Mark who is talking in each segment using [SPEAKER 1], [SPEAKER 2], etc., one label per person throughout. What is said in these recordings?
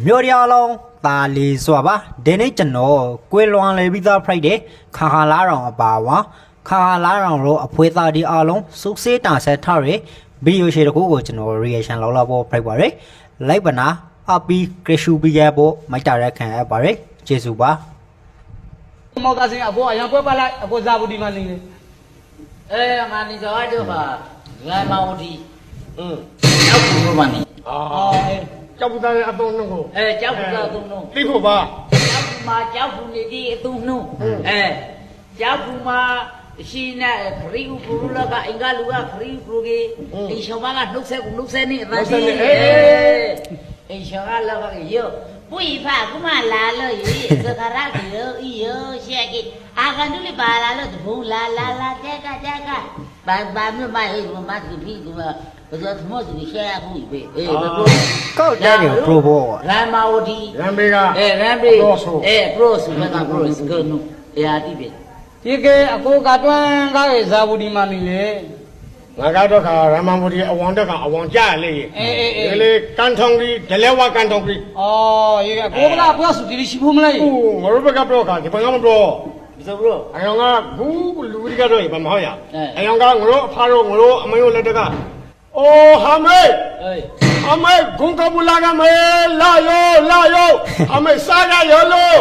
[SPEAKER 1] မျိုးရအောင်တာလီဆိုပါဒီနေ့ကျွန်တော်ကွေလွန်လေပြီးသားဖိုက်တဲ့ခါခါလာတော်အပါဝါခါခါလာတော်တို့အဖွေးသားဒီအားလုံးစုစေးတာဆက်ထားရဗီဒီယိုရှေ့တစ်ခုကိုကျွန်တော် reaction လောက်လောက်ဖို့ဖိုက်ပါရယ်လိုက်ပါနာအပီကရရှူပီရဖို့မိုက်တာရက်ခံရပါရယ်ကျေးဇူးပါ
[SPEAKER 2] မောက်သားစင်အဘောအရန်ပွဲပါလိုက်အဘောဇာဘူးဒီမှာနေလေ
[SPEAKER 3] ငါနေကြတော့ပါငါမောင်ဒီကြောက်ဘူးမနီ
[SPEAKER 2] ကြောက်ဘူးသားအသုံးနှုတ်ကို
[SPEAKER 3] ကြောက်ဘူးသားအသုံးနှုတ်
[SPEAKER 2] သိဖို့ပါ
[SPEAKER 3] ကြောက်ဘူးမှာကြောက်ဘူးနေဒီအသုံးနှုတ်ကြောက်ဘူးမှာရှိနေခရီးဥပရလကအင်္ဂါလူကခရီးဥပရကေအင်ရှောမကနှုတ်ဆက်ကူနှုတ်ဆက်နေအသားကြီးအင်ရှောကလောကရောပွေဖာကမလာလို့ရေသခရကရောရှက်ကအာကန်တူလေးပါလာလို့တဘုံလာတက်ကဘာမျိုးမဟိမတ်ကူပြီးကူဘာသာသမောသူရှက်ရဘူးပဲ
[SPEAKER 1] ကောက်တယ်ပရိုဘော
[SPEAKER 3] ရမ်မာဝတီ
[SPEAKER 2] ရမ်ဘေက
[SPEAKER 3] ရမ်ဘေပရိုဆိုမကပရိုစကနုရာတိပဲ
[SPEAKER 2] ဒီကအကိုကတွန်းကားရဲ့ဇာဘူးဒီမှာနေလေငါကတော့ခါရမန်ဘူဒီအဝံတက်ကအဝံကြရလေဒီလေကန်ထုံဒီဒလဲဝါကန်ထုံဒီရေကကိုကလာပြောစုဒီရှိဖို့မလားငါတို့ဘက်ကပြောခါဒီဘက်ကမပြော
[SPEAKER 3] ဆိုဘရို
[SPEAKER 2] အယောင်ကဘူးလူဒီကတော့ဘာမဟုတ်ရအယောင်ကငါတို့အဖားတို့ငါတို့အမေတို့လက်တကအိုးဟာမေအမေဂုံကဘူလာကမေလာယောအမေစားရယောလို့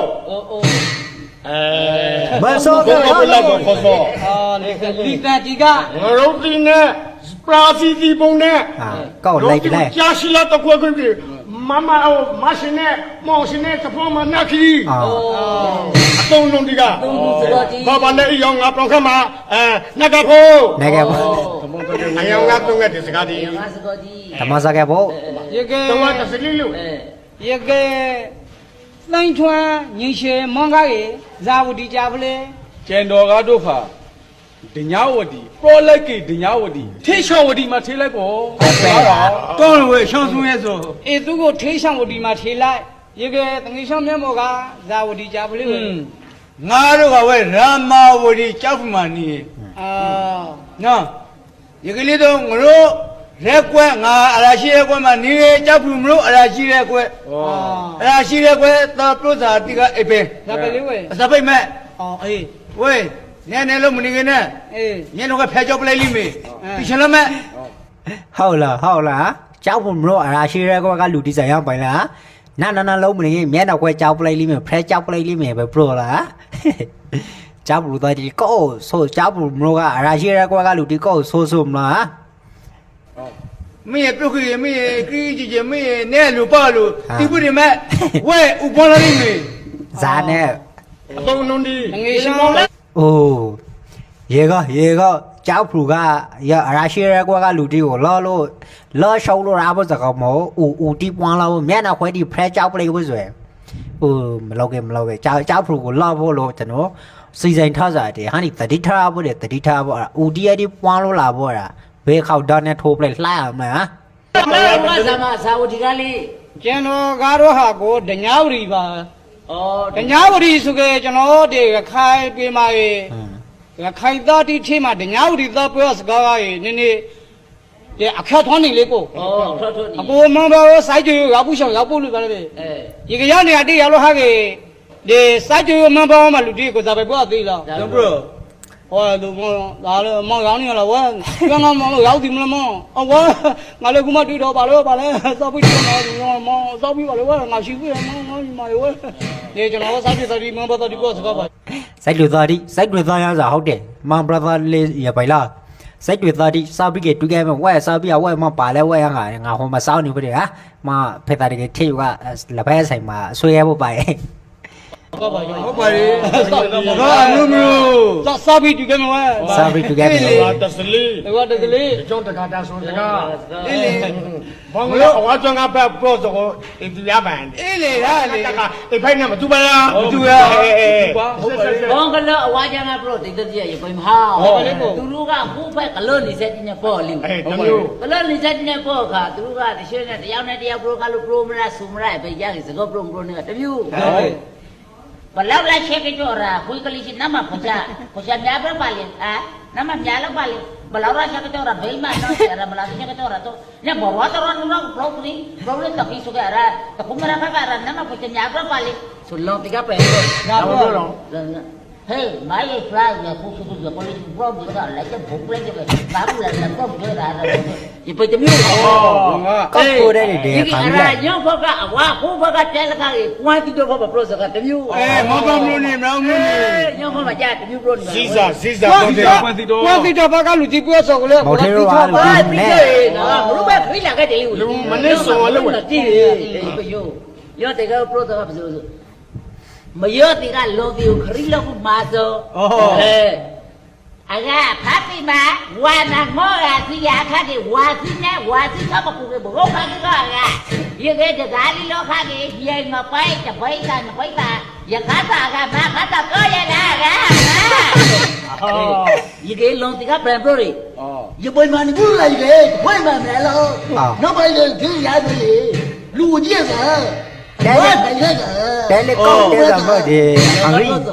[SPEAKER 1] မဆောက
[SPEAKER 2] ဘယ်လောက်ခေါ်စောဒီတတိကငရုတ်တီနဲ့ပရာစီတီပုံနဲ့
[SPEAKER 1] ကောက်လိုက်လိုက်
[SPEAKER 2] ကြာရှိလာတော့ခွင့်ပြီမမမရှင်နဲ့မောင်ရှင်နဲ့သဖောမနက်ခီအတုံးလုံးဒီကဘာနဲ့အယောင်ငါပြောင်းခမှာနက်ကဖို့
[SPEAKER 1] အ
[SPEAKER 2] ယောင်ငါတုံးခဲ့တဲ့စကားဒီ
[SPEAKER 1] ဓမ္မစကားဖို့
[SPEAKER 2] ရေကတော့တစလီလို့ရေကလိုင်းထွန်းညင်ရှေမောင်ကားရေဇာဝတီကြပလေ
[SPEAKER 4] ကျန်တော်ကားတို့ခါဒညာဝတီပရောလိုက်ကေဒညာဝတီထေရှောဝတီမှာထေးလိုက်ကော
[SPEAKER 2] တော့ဝေရှောင်းဆုံးရဲ့ဆိုသူကိုထေးရှောင်းဝတီမှာထေးလိုက်ရေကတငေရှောင်းမျက်မှောကဇာဝတီကြပလေ
[SPEAKER 4] ငါတို့ကဝဲရာမာဝတီကြောက်ဖူမာနီနော်ရေကလေးတော့ငါတို့ရက်ကွက်ငါအရာရှိရက်ကွက်မှာနေကြောက်ဖူမလို့အရာရှိရက်ကွက်အရာရှိရက်ကွက်သာပရုဇာတိကအိပင်
[SPEAKER 2] ဇာပိလေးဝဲ
[SPEAKER 4] ဇာပိမဲ့
[SPEAKER 2] အေး
[SPEAKER 4] ဝဲနဲလို့မနေခင်နဲ့ညနေကဖဲကြောက်ပလိုက်လိမ့်မယ်ပြီးချင်လားမဲ့
[SPEAKER 1] ဟုတ်လားကြောက်ဖို့မလို့အရာရှိရဲကွက်ကလူဒီဇိုင်ရောက်ပိုင်လားနာလုံးမနေမျက်နှာခွဲကြောက်ပလိုက်လိမ့်မယ်ဖဲကြောက်ပလိုက်လိမ့်မယ်ပဲပရိုလားကြောက်ဘူးတော့ဒီကောဆိုကြောက်ဘူးမလို့ကအရာရှိရဲကွက်ကလူဒီကောဆိုမလား
[SPEAKER 4] မင်းပြုတ်ကြီးမင်းခရီးကြီးမင်းနဲ့လူပါလို့ဒီပုရိမဲ့ဝဲဥပေါ်လာလိမ့်မယ်
[SPEAKER 1] ဇာနဲ့
[SPEAKER 2] အတုံးလုံးဒီ
[SPEAKER 1] ငေးရှောင်းအိုးရေကကြောက်ဖူကရအရာရှိရဲကွက်ကလူတီကိုလောရှောင်းလို့ရဖို့စကောမောဦးတီပွားလာဖို့မျက်နှာခွဲတီဖရဲကြောက်ပလိုက်ဖို့ဆိုရယ်မလောက်ခဲ့ကြောက်ဖူကိုလောဖို့လို့ကျွန်တော်စီစဉ်ထားစားတယ်ဟာဒီတတိထားဖို့ဦးတီရတီပွားလို့လာဖို့ရဘေးခေါက်တော့နဲ့ထိုးပလိုက်လှရမှာ
[SPEAKER 3] ဘာသာမသာဝတီကလေး
[SPEAKER 2] ကျွန်တော်ကားတော့ဟာကိုဒညာဝတီပါဒညာဝတီဆိုကြကျွန်တော်ဒီခိုင်ပြေးမှာရေခိုင်သားတိထဲမှာဒညာဝတီသားပြောစကားရေနည်းဒီအခက်ထွန်းနေလေကိုအကိုမဘောစိုက်ကြရောက်ဖို့ရှောင်ရောက်ဖို့လို့ပါလေဒီကရောက်နေတာတိရလို့ဟာကေဒီစိုက်ကြမဘောမှာလူတိကိုဇာပဲပြောသေးလား
[SPEAKER 4] ကျွန်တော်
[SPEAKER 2] ဟောလူမောဒါလည်းမောင်ရောင်းနေလားဝါကျန်ကမောင်လို့ရောက်ပြီမလားမောင်ဝါငါလည်းခုမှတွေ့တော့ပါလို့ပါလဲစောက်ပြီးတော့မောင်စောက်ပြီးပါလို့ဝါငါရှိပြီမောင်ဒီမှာဝါဒီကျွန်တော်စိုက်ပြီးမောင်ဘာတော်ဒီကိုစကားပါ
[SPEAKER 1] စိုက်တွေသားရစားဟုတ်တယ်မောင်ဘရသာလေးရပိုင်လားစိုက်တွေသားဒီစောက်ပြီးကတူကဲမဝဲစောက်ပြီးဝဲမပါလဲဝဲငါဟိုမှာစောက်နေပြီဟာမဖေတာတကထေကလက်ဖက်ဆိုင်မှာဆွေးရဖို့ပါရဲ့
[SPEAKER 4] ဟုတ်ပါလေဘာအမျိုးမျိုး
[SPEAKER 2] စာပြီးတူကဲမဝဲ
[SPEAKER 1] စာပြီးတူကဲမ
[SPEAKER 2] ဝါတစလီကျောင်းတကာတာဆိုတကာအေးလေဘောင်းလို့အဝါကျောင်းကပဲပရော့ဆိုကိုအတူရပန်
[SPEAKER 4] အေးလေဟာလေ
[SPEAKER 2] အိဖိုင်နဲ့မတူပါလား
[SPEAKER 4] မတူရ
[SPEAKER 3] ဘောင်းကလည်းအဝါကျောင်းကပရော့တိတ်တည်းရပြန်ဟာသူတို့ကခုဖက်ကလို့နေစက်တင်ပေါ်လိမ့်ကလို့နေစက်တင်ပေါ်ခါသူတို့ကတရှင်းနဲ့တယောက်နဲ့တယောက်ပရော့ကလို့ပရိုမရဆူမရပဲရရင်စကောပရိုနဲ့တမျိုးဘလောက်လာချက်ကြော်ရာခွေးကလေးရှိနမဖချာများပဲပါလေဟာနမများလောက်ပါလေဘလာရာချက်ကတော့ဘိမနော်ရမလာချက်ကတော့တော့ညဘောဝါတော်နော်ဘလော့နီဘလော့လက်တပိဆိုကြရတခုမရခကရနမကိုချညာပြပါလေဆိုလောတိကပဲညာတော့ဟေးမိုင်းဖလိုက်ရခုခုကပေါ်လီဘလော့ဒီကလည်းချက်ဘုတ်လိုက်တယ်ဘာလို့လဲတော့ပြောတာဒီပိတ်မျိုးဟော
[SPEAKER 1] ကောက်ကိုတဲ့တွေ
[SPEAKER 3] ဒီ
[SPEAKER 1] ခါ
[SPEAKER 3] အ
[SPEAKER 1] ပြီး
[SPEAKER 3] ရာ
[SPEAKER 1] လိုက်
[SPEAKER 3] ညောဘကအဝါခိုးဘကတဲလခကြီးကွမ်းတီတော့ဘပရောစကတမျိုး
[SPEAKER 4] မောကမလို့နေမလို့နေ
[SPEAKER 3] ညောဘကကြာတမျိုးပရောနေ
[SPEAKER 4] စီစာတော့တယ်
[SPEAKER 2] ကွာတီတော်ဘကလူကြီးပြောဆိုကလေး
[SPEAKER 1] မော်ထေရောပါလို့
[SPEAKER 3] ဘာ
[SPEAKER 1] နဲ့
[SPEAKER 3] ပြီးတယ်နော်ဘလို့ပဲခိလာခဲ့တယ်လူမနေ့စောလို့တည်တယ်ဘယောရောတေကပရောစကပစိုးမယောတေကလောတီကိုခရီလောက်မှာဆိုအကဖတ်ပြီမဝါနာမောရာစီယာခတ်ဝါစီနဲ့ဝါစီကပကူကဘောခါကရေကတကားလီလောခကြီးရေငပိုက်တပိတ်တာနပိတ်တာရခတာကမခတာကိုရလာကရေကလုံးတကပြန်ပြောရီရေပွင့်မနီဘူးလိုက်လေပွင့်မမယ်လို့နောက်ပိုင်းလေဒီရတယ်လူကြီးကတဲလေကောက်တဲ့ကမဒီအင်္ဂလိပ်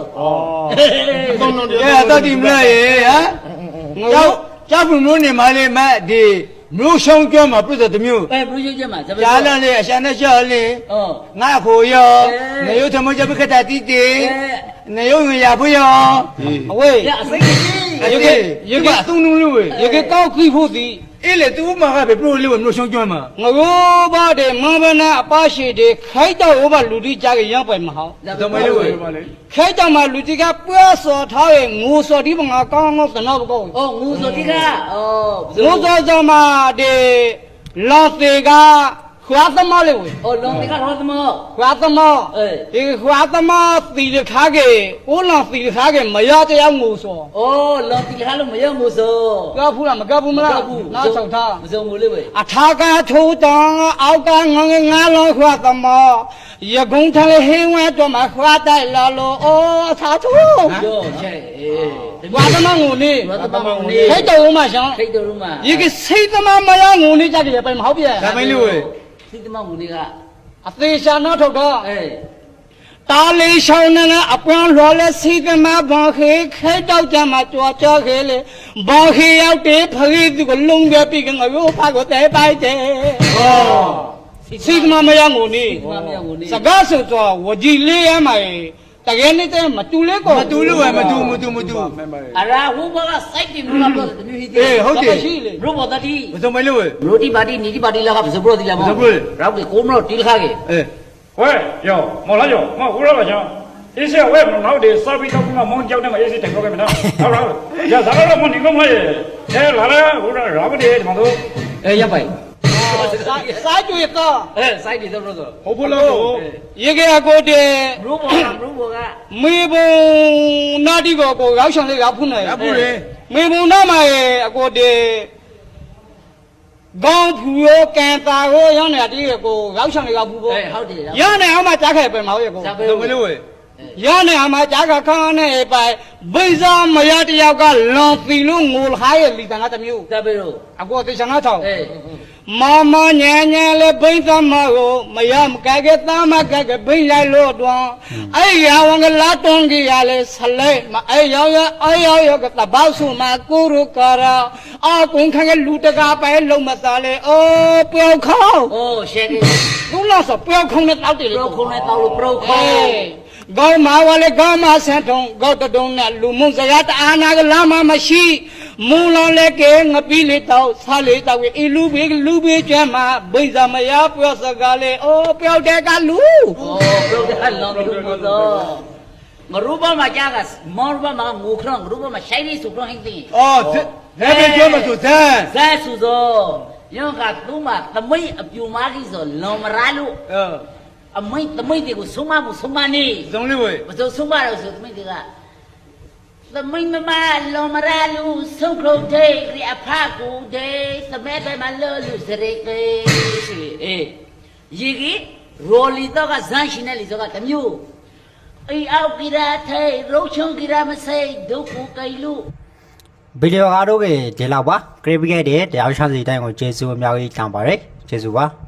[SPEAKER 4] တော့ဒီမလားရေဟမ်ကျောက်ဘူးမျိုးနေမလေးမဒီမျိုးရှုံးကျွမ်းမှာပြည့်တဲ့မျိုး
[SPEAKER 3] ဘလူးကြီးမှာ
[SPEAKER 4] ကြားလာလေအရှမ်းနဲ့ရှော့လေငါခိုရောနေရုံသမကြပခတာတီတီနေရုံရဖို့ရော
[SPEAKER 2] အဝေး
[SPEAKER 3] ရအစိတ်ကြီး
[SPEAKER 4] ရေကအသုံးလုံးလို့
[SPEAKER 2] ရေကကောက်ခိဖို့သည်
[SPEAKER 4] အေးလေသူမကပဲပြလို့မျိုးရှုံးကျွမ်းမှာ
[SPEAKER 2] ငရိုးပါတဲ့မဘနာအပါရှိတဲ့ခိုက်တော့ဘလူကြီးကြရရောက်ပဲမဟုတ်
[SPEAKER 4] တော့မလို့ပဲ
[SPEAKER 2] ခိုက်တော့မှလူကြီးကပွဲစော်ထားရဲ့ငိုစော်ဒီမငါကောင်းကောင်းသနာဘကော
[SPEAKER 3] 哦，我说这个，哦，
[SPEAKER 2] ငိုစော်ကြမှာတဲ့လော်သေးကခွာသမားလေးဝေ
[SPEAKER 3] 哦，弄这个老什么？
[SPEAKER 2] ခွာသမား
[SPEAKER 3] 哎，
[SPEAKER 2] ဒီခွာသမားတီရခါကေဦးလောင်တီရခါကေမရတရားငိုစော်
[SPEAKER 3] 哦，弄这个还没有没收，
[SPEAKER 2] ကဖူးလားမကဖူးမလားနားဆောင်ထား
[SPEAKER 3] 没收没了喂。
[SPEAKER 2] အထာကထိုးတောင်းအောက်ကငငငါလုံးခွာသမောရကုန်းထလေဟင်းဝဲတော့မှခွာတိုက်လာလို့အိုးအထာထိုး
[SPEAKER 3] 哟，切，
[SPEAKER 2] ခွာသမောငုံနေ
[SPEAKER 3] 我他妈我
[SPEAKER 2] ဟဲ့
[SPEAKER 3] 呢？
[SPEAKER 2] တော်မှရှောင်း
[SPEAKER 3] 谁都嘛？
[SPEAKER 2] ဒီကစိတ်သမားမရငုံနေကြတယ်ပဲမဟုတ်ပြ
[SPEAKER 4] ဒါမလို့
[SPEAKER 3] 谁他妈我那个？
[SPEAKER 2] အသေးရှာနောက်ထုတ်တော့
[SPEAKER 3] 哎，
[SPEAKER 2] တာလေးရှောင်းနေအပွန်းလွှာလဲစိတ်သမားဘောခေခဲတော့ကြမှာကြွားကြောခဲလေဘောခေရောက်တဲ့ဖခေသူကလုံးပြပြီးကငါရောဖာကိုတဲပိုက်တယ်
[SPEAKER 3] 哦，
[SPEAKER 2] စိတ်သမားမရငုံနေ
[SPEAKER 3] 他妈没有我呢
[SPEAKER 2] စ。ကားဆိုတော့ဝကြီးလေးရမှာတကယ်နေတဲ့မတူလေးကို
[SPEAKER 4] မတူလို့မတူ
[SPEAKER 3] 啊，然后我个谁的没有不是女的？
[SPEAKER 4] အေးဟုတ်တယ်
[SPEAKER 2] ရှိလေ
[SPEAKER 3] 如果他的，
[SPEAKER 4] မစုံမလို့
[SPEAKER 3] 如地巴的，你的巴的那个不是不的了吗？然后给公路地卡给。
[SPEAKER 4] အေး
[SPEAKER 5] 喂，有，冇啦有，我胡了个枪。一些我也不老的，稍微到我忙叫那么也是挺高的没得，好了，要啥了我你讲我也，哎来了，我说啥不的，嘛都，
[SPEAKER 3] 哎，要不？
[SPEAKER 2] စားကြွေတော့
[SPEAKER 3] 哎，谁的都不是。
[SPEAKER 4] ဟုတ်ဘူးလို့
[SPEAKER 2] ရေကကိုတဲ့
[SPEAKER 3] 如果如果啊，
[SPEAKER 2] မေဘုံနာတီကိုကိုရောက်ချင်လေးရောက်ဖုန်းနေ
[SPEAKER 4] ရဘူးလေ
[SPEAKER 2] မေဘုံနာမှာအကိုတဲ့ကောင်းဖူရောကန်တာရောရောက်နေတီကိုရောက်ချင်လေးရောက်ဖူးဖို့
[SPEAKER 3] 哎，好的。
[SPEAKER 2] ရနေအောင်မှကြားခဲ့ပဲမဟုတ်ရဲ့ကို
[SPEAKER 3] 啥
[SPEAKER 4] စုံမလို့
[SPEAKER 2] ရနေအောင်မှကြားခခန်းနဲ့ပိုင်ဘိဇာမရတယောက်ကလွန်ပြီလို့ငိုလာရဲ့လီတန်ကတမျိုး
[SPEAKER 3] 啥不咯？
[SPEAKER 2] အကိုတေချာနာထောင်
[SPEAKER 3] 哎，
[SPEAKER 2] မမညံညံလေးဘိန်းသမကိုမရမကဲကဲသားမကဲကဲဘိန်းလိုက်လို့တွန်းအဲ့ရဝန်ကလာတွန်းကြီးရလဲဆလဲမအဲ့ရောကတဘောက်စုမကိုရုကာရာအကုန်းခန့်ကလူတကာပဲလုံးမသားလေအိုးပျောက်ခေါင်း
[SPEAKER 3] 哦，现在
[SPEAKER 2] သူလောက်ဆိုပျောက်ခေါင်းနဲ့တောက်တယ်လေ
[SPEAKER 3] 不空来到了不空。
[SPEAKER 2] ကောင်းမာဝလေကောင်းမဆန်ထုံကောက်တုံးနဲ့လူမှုစကားတအားနာကလာမမရှိမူလောလေကဲငပီးလေးတော့ဆားလေးတော့အီလူဘေးကျွမ်းမှာဘိဇာမရပြောစကားလေအိုးပျောက်တဲ့ကလူ
[SPEAKER 3] 哦，不要再浪费我了。我如果嘛家个，毛如果嘛我可能，如果嘛谁的手上很低。
[SPEAKER 4] အော်ဒါပဲပြောမှဆိုသမ်း
[SPEAKER 3] 再说说，因为都嘛，他没有嘛的说老么拉路，啊没他没这个送嘛不送嘛呢？
[SPEAKER 4] စုံလို့
[SPEAKER 3] 不就送嘛了，说他没这个。他没嘛老么拉路送口袋，你阿怕古袋，他没在嘛老路是那个是哎，一个罗里头个山西那里头个他没有。哎，奥给他推，肉肠给他们塞，都不给路。
[SPEAKER 1] ဗီဒီယိုကားတို့ကဒီလောက်ပါခရစ်ပီကက်တဲ့တရားချမ်းစီတိုင်းကိုကျေးဇူးအများကြီးတောင်းပါတယ်ကျေးဇူးပါ